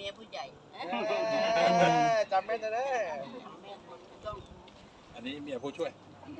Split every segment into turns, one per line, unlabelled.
มียผู้ใหญ่
จำแม่นเลย
อันนี้เมียผู้ช่วย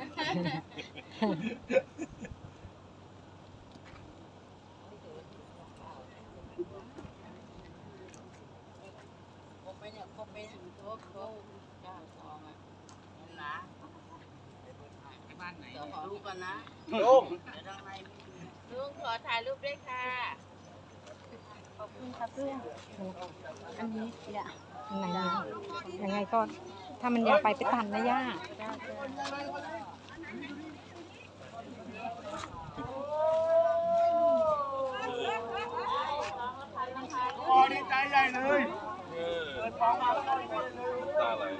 ครบไหมเนี่ยครบไหมครบเก้าซองอ่ะนะบ้านไหนขอรูปกันนะ
ลุง
เดี๋ยวทางในลุงขอถ่ายรูปด้วยค่ะขอบคุณครับลุงอันนี้เนี่ย
ยังไงก็ถ้ามันอยากไปตันนะย่า
โอ้ดีใจใหญ่เลย
ตาไหล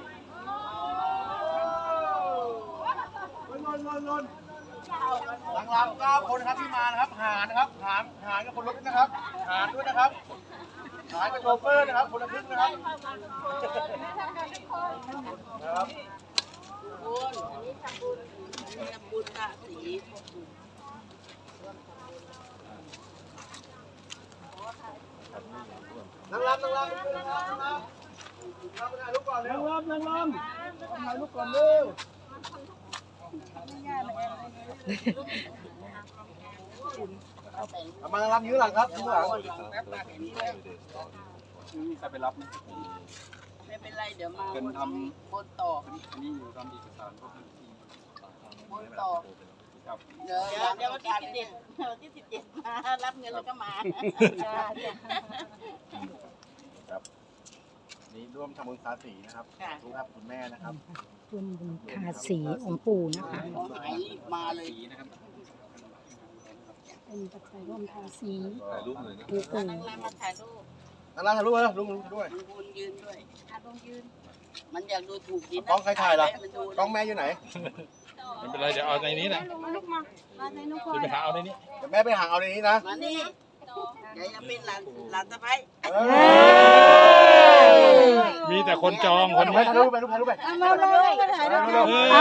ล้นหลังๆ9 คนนะครับที่มานะครับหารนะครับหารกับคนรถนะครับหารด้วยนะครับหารกับโชเฟอร์นะครับคนละครึ่งนะครับ
บุญอันนี้ทำบุญอันนี้ทำบุญค่ะสี
นั่งรับถ่ายรูปก่อนเร็วนั่งรับถ่ายรูปก่อนเร็วมารับยื้อหลังครับยื้อหลังใครไปรับนะ
ไม่เป็นไรเดี๋ยวมาคนต่อ
อันนี้อยู่ทำเอกสารพวกนี้
คนต่อเดี๋ยววันที่17มารับเงินแล้วก็มา
ครับนี่ร่วมทำบุญสาสีนะครับทุกครับคุณแม่นะครับ
ร่วมบุญทาสีองค์ปู่นะคะ
มาเลย
นะครับ
เป็นปัจจัยร่วมทาสี
ถ่ายรูปหน่อยนะ
ปู่ปู่
นั่งรำมาถ่ายรูป
นั่งรำถ่ายรูปเลยลุงด้วย
ลุงยืนด้วยลุงยืนมันอยากดูถูกดิน
กล้องใครถ่ายล่ะกล้องแม่อยู่ไหน
ไม่เป็นไรเดี๋ยวเอาในนี้นะจะไปหาเอาในนี้
เดี๋ยวแม่ไปหาเอาในนี้นะ
มานี่เดี๋ยวจะเป็นหลานสะใภ้
มีแต่คนจองคน
ไม่ถ่ายรูปไปถ่ายรูปไป
เอาเลย
เอา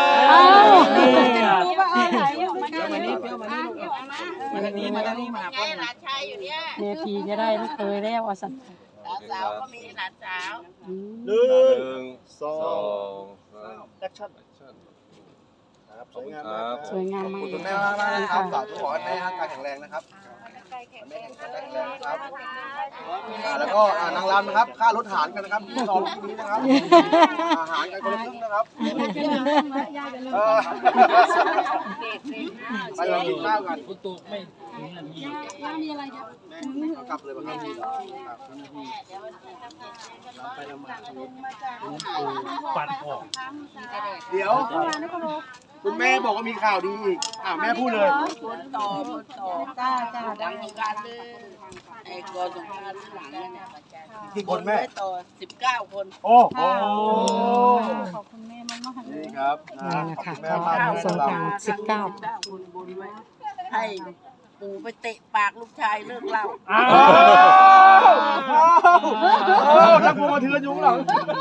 มาทางนี้มาไงหลานชายอยู่เนี่ย
เนทีจะได้ไม่เคยแล้วอ่ะสัตว์
หลานสาวก็มีหลานสาว
1 2 แอคชั่นครับสวยงามมาก
สวยงามมาก
คุณแม่มากนะครับฝากขอให้แม่ร่างกายแข็งแรงนะครับแม่แข็งแรงนะครับแล้วก็นางรำนะครับค่ารถหารกันนะครับที่2ที่นี้นะครับอาหารกันคนละครึ่งนะครับไปลองกินข้าวกันคุณตู่ไม่ถึงนาทีมีอะไรครับกลับเลยบ้างครับไปละมาปั่นออกเดี๋ยวคุณแม่บอกว่ามีข่าวดีอีกแม่พูดเลย
คนต่อจ้าดังของการเลยไอ้ก่อนสงครามหลังเนี่ย
กี่คนแม่
ต่อ19 คน
โอ้โห
ขอบคุณแม่มากๆ
นี่ครับ
ค่ะสงกรานต์19
คนบุญไว้ให้ปู่ไปเตะปากลูกชายเลิกเหล้า
นักมวยมาเถื่อนยุ้งหลัง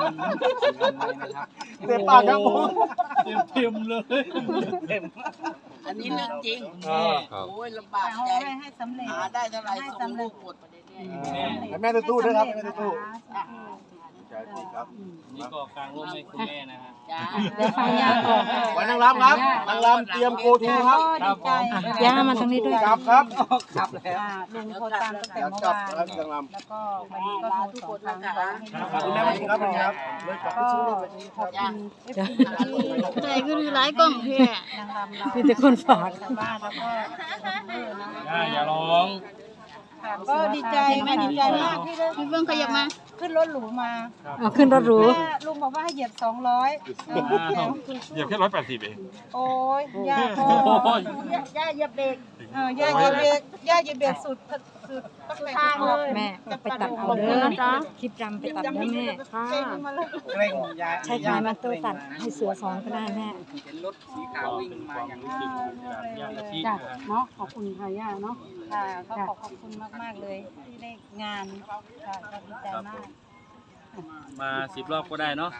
เตะปากครับผมเต็มเลย
อันนี้เรื่องจริงโอ้ยลำบากใจหาได้เท่าไหร่ส่งลูกหมด
แม่ตู้ด้วยครับแม่ตู้ครับ
นี่ก็กลางร่มให้คุณแม่นะฮะ
เดี๋ยวฟังยาก่อน
ไว้นางรำครับนางรำเตรียมโกทูครับ
ย่ามาตรงนี้ด้วย
ครับครับ
แล้วลุงโทรตามตั้งแต่เมื่อวานแล้วก็วันนี้ก็โทรทุกคนนะคะ
คุณแม่วันนี้ครับครับ
ก็ขอบคุณ
ใจก็คือร้ายกล้องแค่
นางรำมีแต่คนฝากบ้านแล้วก็
อย่าร้อง
ก็ดีใจแม่ดีใจมากที่ได้
พี่เพิ่งขยับมา
ขึ้นรถหรูมา
ขึ้นรถหรู
ลุงบอกว่าให้เหยียบ200
เหยียบแค่180เอง
โอ้ยย่าพอย่าเหยียบเบรกย่าเหยียบเบรกสุด
ทางเลย
แม่ไปตัดเอาเด้อคลิปรำไปตัดเด้อแม่ค่ะใช่ค่ะมาตัวตัดให้เสือซ้อนก็ได้แม่
เห็นรถสีขาววิ่งมาอย่างนี้
จ้ะเนาะขอบคุณค่ะย่าเนาะค่ะก็ขอบคุณมากๆเลยที่ได้งานค่ะดีใจมาก
มา10 รอบก็ได้เนาะ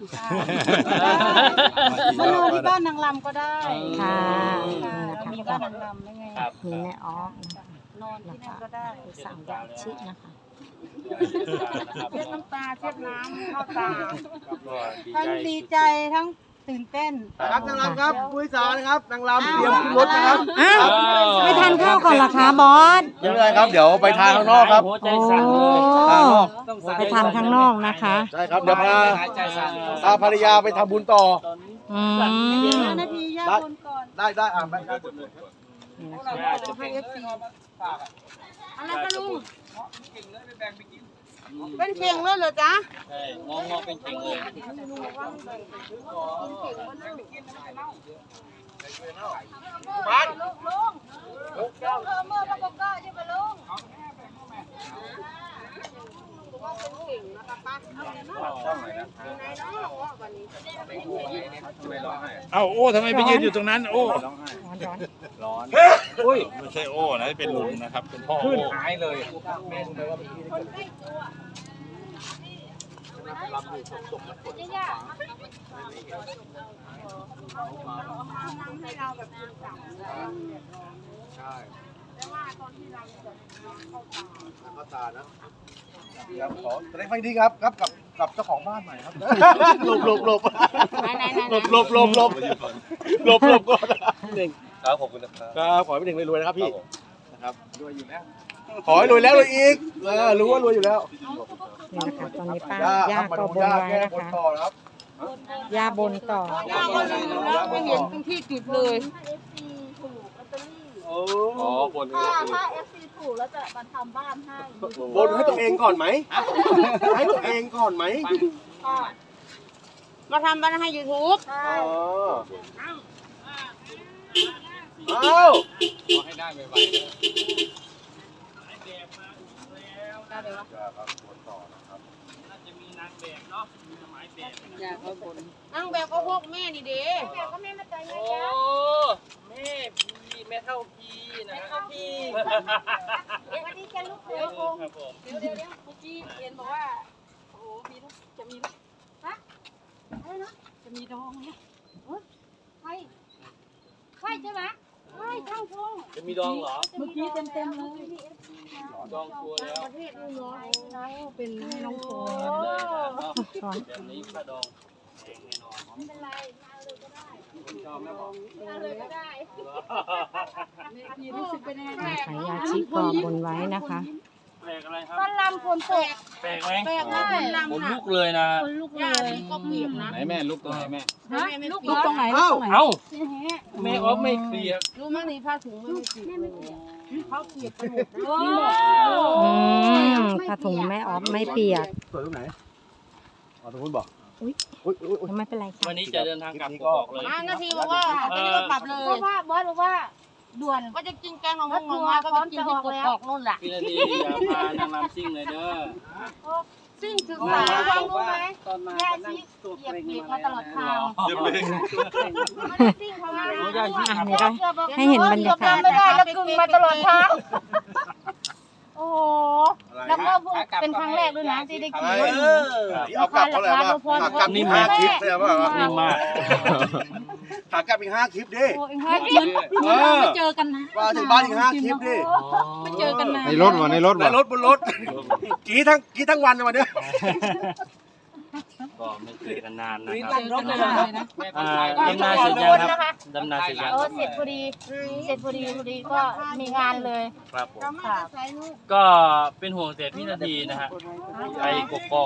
มาลงที่บ้านนางรำก็ได้ค่ะมีบ้านนางรำได้ไง
ครับ
มีแม่อ๋อ
นอนที่นั่นก็ได้
สั่งยาชินะคะ
เช็ดน้ำตาเช็ดน้ำเข้าตา
ก็ดี
ทั้ง
ใจ
ดีใจทั้งตื่นเต้น
ครับนางรำครับผู้โดยสารนะครับนางรำเตรียมขึ้นรถนะครับ
อ้าวไม่ทานข้าวก่อนเหรอคะบอส
ไม่เป็นไรครับเดี๋ยวไปทานข้างนอกครับ
หัวใจสั่นเลย
ทานข้างนอก
ไปทานข้างนอกนะคะ
ใช่ครับเดี๋ยวพา
หายใจสั่น
พาภรรยาไปทำบุญต่อ
อืม
5 นาทีย่าบนก่อน
ได้ไปครับ
นี่นะคะ
ให้เอฟซีอะไรคะลุงเป็นเข่งเลยเหรอจ๊ะ
ใช่งอเป็นเข่งเลย
บ้าน
เอ้าโอ้ทำไมไปยืนอยู่ตรงนั้นโอ้
ร้อน
อุ้ยไม่ใช่โอ้นะเป็นลุงนะครับ เป็นพ่อโอ้
หายเลย
เข้าตานะเดี๋ยวขอแสดงความยินดีครับกับเจ้าของบ้านใหม่ครับหลบก่อนครับขอบคุณนะครับครับขอให้พี่เด่งรวยๆนะครับพี่นะครับรวยอยู่แล้วขอให้รวยแล้วรวยอีกรู้ว่ารวยอยู่แล้ว
นี่นะคะตอนนี้ป้า
ย่า
ย่า
ครับมา
ก็
ดู
บน
ย่า
ไว้
แก้
นะ
บน
คะ
ต่อนะครับ
ย่าบนต่อ
ย่าก็ลืมแล้วไม่เห็นตรงที่จุดเลย
โอ้
อ๋อบน
ถ้า FC ถูกแล้วจะมาทำบ้านให้
บนให้ตัวเองก่อนไหมให้ตัวเองก่อนไหม
มาทำบ้านให้ YouTube
ใช่
อ๋ออ้าว
ขอให้ได้ไวๆน่าจะมีนางแบบเนาะมีหมายแบบ
นั่งแบบก็พวกแม่นี่เด้
ก็แม่มาใจเย
โอ้
อะ
แม่พี่แม่เท่าพี่นะฮะพี่
ๆวันนี้จะลูกเสือคง
ครับผม
เดี๋ยวเมื่อกี้เห็นบอกว่าโอ้โหมีลูกจะมีลูก
อะไรนะ
จะมีน้องเนี่ย
ใช่ใช่ใช่ไหมใช่ช่างพง
จะมีดองเหรอ
เมื่อกี้เต็มๆเลย
ดองชัวร์แล้ว
ประเทศนู่นเนาะ
เป็นให้น้องโฟ
เลยนะเนาะแบบนี้ถ้าดองแพงแน่นอน
ไม่เป็นไรมาเลยก็ได้
ชอบไหมบอก
มาเลยก็ได้
พี่รู้สึกเป็นยังไง
นะคะยาชิก็บนไว้นะคะ
แปลกอะไรครับ
ต้นลำฝนตก
แปลกไหม
แปลกนะคนลำ
ขน
น่ะ
ลุกเลยนะ
คนลูกเล
ย่าย ดีก็เปียกนะ
ไหนแม่ลุกตรงไหนแม่
ฮะลูกตรงไหนลูกตรงไหน
เอ้าแม่ออฟไม่เคลียร์
รู้มั้ยนี่ผ้าถุงไม่เปียกเขาเปียกกันหมด
โอ้
ผ้าถุงแม่ออฟไม่เปียก
สวยตรงไหนอ๋อตรงนู้นบอก
อุ๊ย
อุ๊ย
ไม่เป็นไรค่ะ
วันนี้จะเดินทางกลับกอกเลย
มานาทีบอกว่าจะรีบกลับเลย
เพราะว่าบอสบอกว่าด่วน
ก็จะกินแกงของ
รถ
ง
ทัว
มา
ร์
ก็
พร้อ
ไป
ม
กิน
จะอ
ที่
อก
ก
แล้
ก
ว
อกนู่นแหละ
พี่นาทีอย่าพานางรำซิ่งเลยเด้อ
ซึ่งศึกษาความรู้ไหมยาชีเหยียบเบรกมาตลอดทาง
เดี๋ยวเบรก
ไม่ได้ซิ่งเขามา
อันนี้ก็ให้เห็นบรรยากาศ
ไม่
นะ
ได้
คะ
แล้วกึ่งมาตลอดทางโอ้โหแล้วก็เพิ่งเป็นครั้งแรกด้วยนะที่ได้กิน
ที่เอากลับเขาเลยว่าขากลับนี่5 คลิปเลยว่า
นิ่มมาก
ขากลับอีก5 คลิปดิ
โอ้ยไม่เจอกันนะ
ว่าถึงบ้านอีก5 คลิปดิ
ไม่เจอกันนะ
ในรถวะในรถ
ใน
วะ
รถบนรถกี่ทั้งวันเลยวันเนี้ย
ก็ไม่เจอกันนานนะค
เจ
รับ
อกันเลยนะ
ดำนาเสร็จยังครับดำนาเสร็จยัง
เออเสร็จพอดีก็มีงานเลย
ครับผม
ค่ะ
ก็เป็นห่วงแต่พี่นาทีนะฮะไปกกอก